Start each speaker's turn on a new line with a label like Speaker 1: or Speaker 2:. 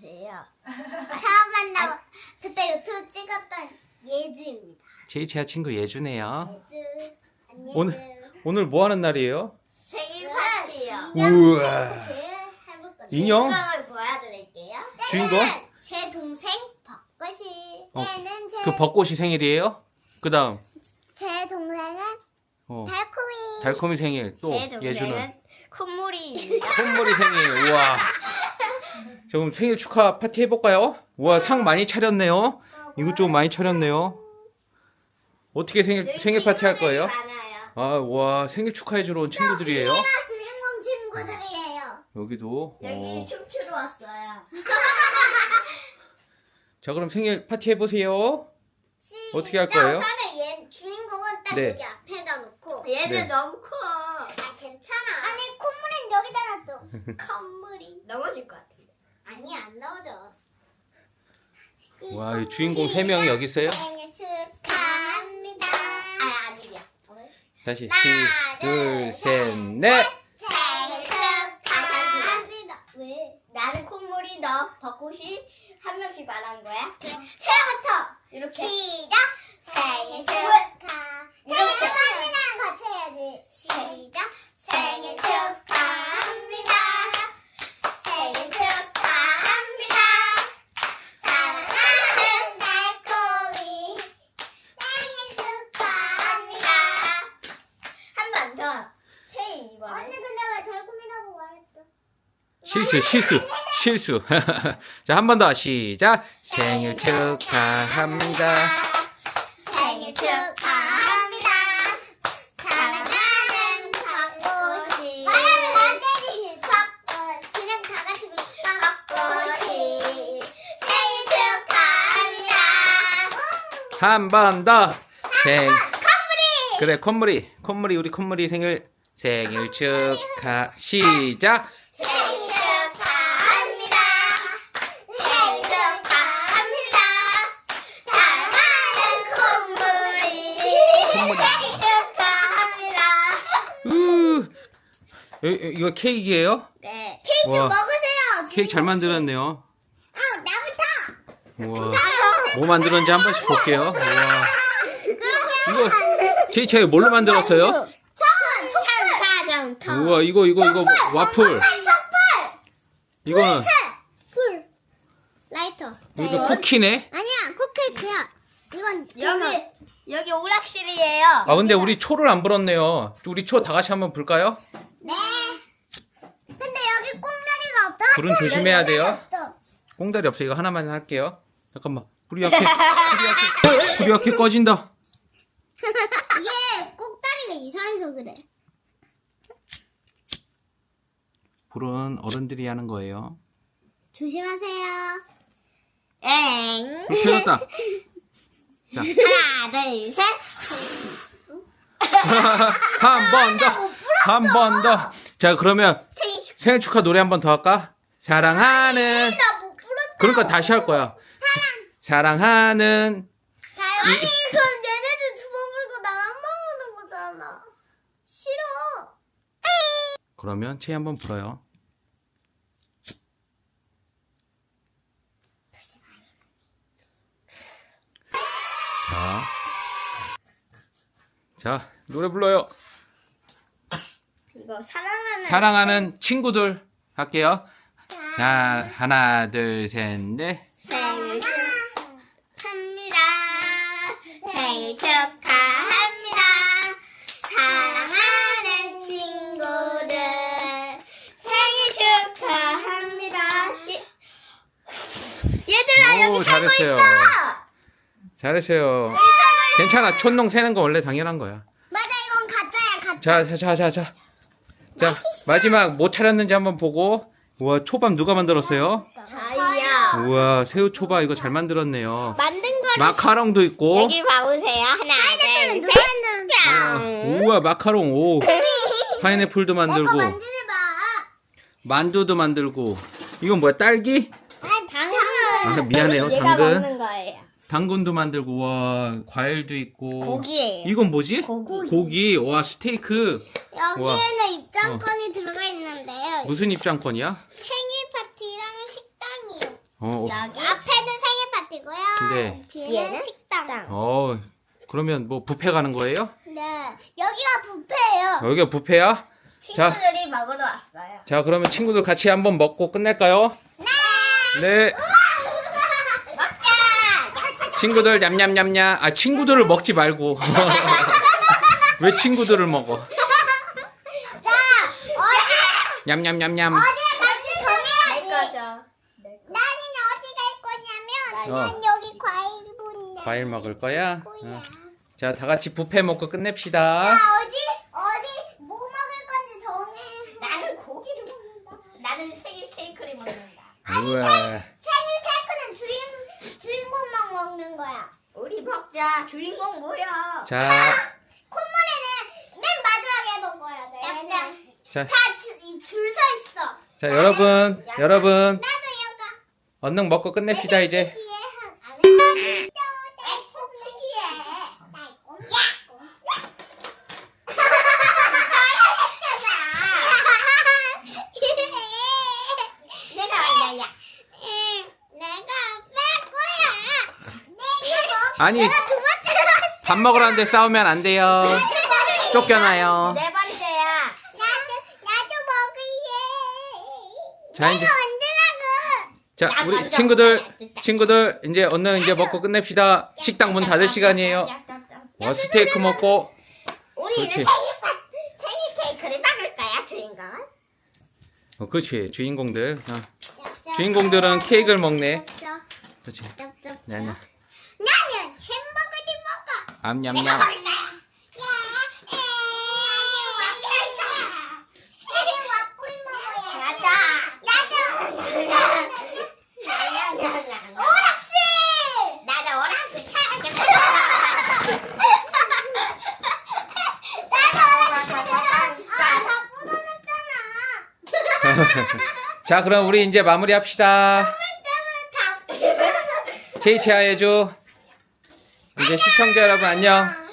Speaker 1: 안녕하세요.
Speaker 2: 처음 만나고 그때 유튜브 찍었던 예주입니다.
Speaker 3: 제이치아 친구 예주네요.
Speaker 2: 예주, 안녕.
Speaker 3: 오늘 뭐 하는 날이에요?
Speaker 1: 생일 파티요.
Speaker 3: 우와.
Speaker 2: 해볼 거죠.
Speaker 3: 인형?
Speaker 1: 주인공을 보여드릴게요.
Speaker 3: 주인공?
Speaker 2: 제 동생 벚꽃이.
Speaker 3: 어,
Speaker 2: 얘는
Speaker 3: 그 벚꽃이 생일이에요? 그 다음
Speaker 2: 제 동생은 달콤이.
Speaker 3: 달콤이 생일. 또
Speaker 1: 제
Speaker 3: 예주는
Speaker 1: 동생은 콧물이입니다.
Speaker 3: 콧물이 생일. 우와. 자, 그럼 생일 축하 파티 해볼까요? 우와, 상 많이 차렸네요. 이것 좀 많이 차렸네요. 어떻게 생일 파티 할 거예요?
Speaker 1: 많아요.
Speaker 3: 아, 와, 생일 축하해주러 온 친구들이에요.
Speaker 2: 얘가 주인공 친구들이에요.
Speaker 3: 여기도.
Speaker 1: 여기 춤추러 왔어요.
Speaker 3: 자, 그럼 생일 파티 해보세요. 어떻게 할 거예요?
Speaker 2: 우선은 얘 주인공은 딱
Speaker 3: 네.
Speaker 2: 여기 앞에다 놓고.
Speaker 1: 얘는
Speaker 3: 네.
Speaker 1: 너무 커.
Speaker 2: 아 괜찮아. 아니 콧물은 여기다 놔둬. 콧물이.
Speaker 1: 넘어질 것 같은데.
Speaker 2: 아니 안 넣어져.
Speaker 3: 와, 이 주인공 3명이 여기 있어요?
Speaker 2: 생일 축하합니다.
Speaker 1: 아니야.
Speaker 3: 다시
Speaker 2: 하나,
Speaker 3: 둘,
Speaker 2: 둘,
Speaker 3: 셋, 넷.
Speaker 2: 생일 축하합니다. 왜?
Speaker 1: 나는 콧물이 너 벚꽃이 한 명씩 말한 거야.
Speaker 2: 처음부터
Speaker 1: 이렇게.
Speaker 2: 시작. 생일 축하.
Speaker 1: 이렇게.
Speaker 2: 할머니랑 같이 해야지. 시작. 생일 축하합니다. 생일 축하합니다. 사랑하는 달콤이 생일 축하합니다.
Speaker 1: 한 번 더. 세 이번에.
Speaker 2: 언니 근데 왜 달콤이라고 말했어?
Speaker 3: 실수. 자, 한 번 더 시작. 생일 축하합니다.
Speaker 2: 생일 축하합니다. 사랑하는 벚꽃이. 말하면 안 되지. 벚꽃. 그냥 다 같이 불러. 벚꽃이. 생일 축하합니다.
Speaker 3: 한 번 더.
Speaker 2: 콧물이.
Speaker 3: 그래, 콧물이 우리 콧물이 생일 축하. 시작.
Speaker 2: 생일 축하합니다. 생일 축하합니다. 사랑하는 콧물이. 생일 축하합니다.
Speaker 3: 이거 케이크예요?
Speaker 1: 네.
Speaker 2: 케이크 좀
Speaker 3: 와,
Speaker 2: 먹으세요.
Speaker 3: 케이크 잘 만들었네요.
Speaker 2: 나부터.
Speaker 3: 우와. 뭐 만들었는지 한 번씩 볼게요. 우와. 이거 제이치아 뭘로 만들었어요?
Speaker 1: 사정터.
Speaker 3: 우와, 이거 와플.
Speaker 2: 촛불.
Speaker 3: 이거는
Speaker 2: 불. 라이터.
Speaker 3: 이거 쿠키네.
Speaker 2: 아니야, 컵케이크야. 이건
Speaker 1: 여기 오락실이에요.
Speaker 3: 아, 근데 우리 초를 안 불었네요. 우리 초 다 같이 한번 불까요?
Speaker 2: 네. 근데 여기 꽁다리가 없다.
Speaker 3: 불은 조심해야 돼요.
Speaker 2: 없어.
Speaker 3: 꽁다리 없어. 이거 하나만 할게요. 잠깐만. 불이 약해 꺼진다.
Speaker 2: 얘 꼭다리가 이상해서 그래.
Speaker 3: 불은 어른들이 하는 거예요.
Speaker 2: 조심하세요.
Speaker 1: 엥.
Speaker 3: 불 켜졌다. 자,
Speaker 1: 하나, 둘, 셋.
Speaker 3: 한 번 더. 자, 그러면 생일 축하 노래 한 번 더 할까? 사랑하는.
Speaker 2: 나못 불었다.
Speaker 3: 그러니까 다시 할 거야. 사랑하는.
Speaker 2: 아니 그럼 얘네들 두 번 불고 난 한 번 부는 거잖아. 싫어.
Speaker 3: 그러면 채 한번 불어요. 자, 노래 불러요.
Speaker 1: 이거 사랑하는.
Speaker 3: 사랑하는 친구들 할게요. 자, 하나, 둘, 셋, 넷.
Speaker 1: 생일 축하합니다. 생일 축하합니다. 사랑하는 친구들. 생일 축하합니다. 얘들아,
Speaker 3: 오,
Speaker 1: 여기 살고
Speaker 3: 잘했어요.
Speaker 1: 있어.
Speaker 3: 잘했어요. 괜찮아. 촌농 새는 거 원래 당연한 거야.
Speaker 2: 맞아, 이건 가짜야, 가짜.
Speaker 3: 자, 마지막 뭐 차렸는지 한번 보고. 우와, 초밥 누가 만들었어요?
Speaker 1: 저희요.
Speaker 3: 우와, 새우 초밥 이거 잘 만들었네요.
Speaker 2: 만든 거를
Speaker 3: 마카롱도 있고.
Speaker 1: 여기 봐보세요. 하나, 둘,
Speaker 2: 누가
Speaker 1: 셋.
Speaker 2: 만들었는데?
Speaker 1: 뿅.
Speaker 3: 우와, 마카롱. 오. 파인애플도
Speaker 2: 내거
Speaker 3: 만들고.
Speaker 2: 만지지 마.
Speaker 3: 만두도 만들고. 이건 뭐야, 딸기?
Speaker 2: 아니 당근.
Speaker 3: 아, 미안해요.
Speaker 1: 얘가
Speaker 3: 당근.
Speaker 1: 먹는 거예요.
Speaker 3: 당근도 만들고. 와, 과일도 있고.
Speaker 1: 고기예요.
Speaker 3: 이건 뭐지?
Speaker 1: 고기.
Speaker 3: 와, 스테이크.
Speaker 2: 여기에는 입장권이 들어가 있는데요.
Speaker 3: 무슨 입장권이야?
Speaker 2: 생일 파티랑 식당이요.
Speaker 3: 어,
Speaker 1: 여기
Speaker 2: 앞에는 생일 파티고요.
Speaker 3: 네.
Speaker 2: 뒤에는
Speaker 1: 얘는
Speaker 2: 식당.
Speaker 3: 그러면 뭐 뷔페 가는 거예요?
Speaker 2: 네. 여기가 뷔페예요.
Speaker 3: 여기가 뷔페야?
Speaker 1: 친구들이 먹으러 왔어요.
Speaker 3: 자, 그러면 친구들 같이 한번 먹고 끝낼까요? 네.
Speaker 1: 먹자.
Speaker 3: 친구들 냠냠냠냠. 아, 친구들을 먹지 말고. 왜 친구들을 먹어?
Speaker 2: 자, 어디
Speaker 3: 냠냠냠냠.
Speaker 2: 같이 정해야지.
Speaker 1: 내 거죠.
Speaker 2: 나는 어디 갈 거냐면
Speaker 3: 어.
Speaker 2: 난 여기 과일 본다.
Speaker 3: 과일 먹을 거야?
Speaker 2: 뭐야?
Speaker 3: 자, 다 같이 뷔페 먹고 끝냅시다.
Speaker 2: 자, 어디 뭐 먹을 건지 정해.
Speaker 1: 나는 고기를 먹는다. 나는 생일 케이크를 먹는다.
Speaker 3: 우와.
Speaker 2: 생일 케이크는 주인공만 먹는 거야.
Speaker 1: 우리 먹자. 주인공 뭐야?
Speaker 3: 자,
Speaker 2: 콧물에는 맨 마지막에 먹어야 돼. 짭짭.
Speaker 3: 자,
Speaker 2: 다줄 서 있어.
Speaker 3: 자, 여러분,
Speaker 2: 나도 여가.
Speaker 3: 얼른 먹고 끝냅시다, 이제. 아니, 밥 먹으라는데 싸우면 안 돼요. 쫓겨나요.
Speaker 1: 네 번째야.
Speaker 2: 나도 먹을래.
Speaker 3: 자, 이제.
Speaker 2: 언제라고?
Speaker 3: 자, 우리 친구들, 이제 얼른 이제 먹고 끝냅시다. 식당 문 닫을 시간이에요. 스테이크 먹고.
Speaker 1: 우리는
Speaker 3: 그렇지.
Speaker 1: 생일 케이크를 먹을 거야, 주인공은.
Speaker 3: 그렇지, 주인공들. 주인공들은 케이크를 먹네. 그렇지. 네, 네.
Speaker 2: 나는 햄버거를 먹어.
Speaker 3: 암냠냠.
Speaker 1: 나도 오락실 차야겠다.
Speaker 3: 자, 그럼 우리 이제 마무리합시다. 제이체아 해줘. 이제 시청자 여러분 안녕.